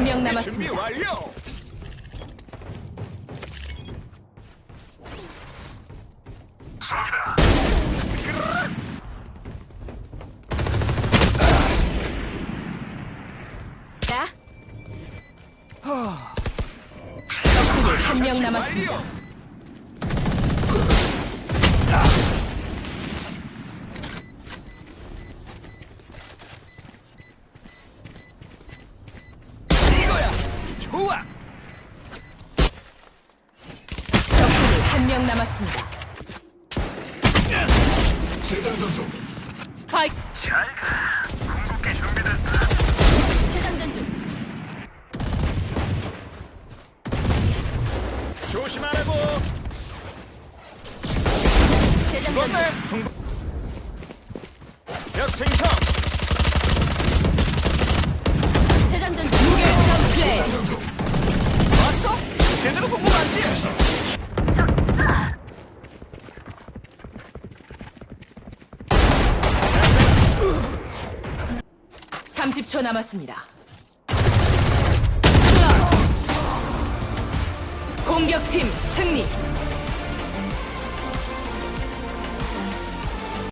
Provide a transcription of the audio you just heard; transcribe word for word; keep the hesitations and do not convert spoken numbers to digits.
명 준비 남았습니다. 완료. 자. 적군이 한 명 남았습니다. 완료. 이거야. 좋아. 적군이 한 명 남았습니다. 재장전 중. 스파이크 잘가. 궁극기 준비됐다. 재장전 중. 조심하라고. 재장전 중. 죽었네. 흥- 벽 생성. 재장전 중. 무결점 플레이. 재장전 중. 왔어? 제대로 본 거 맞지? 삼십 초 남았습니다. 공격팀 승리.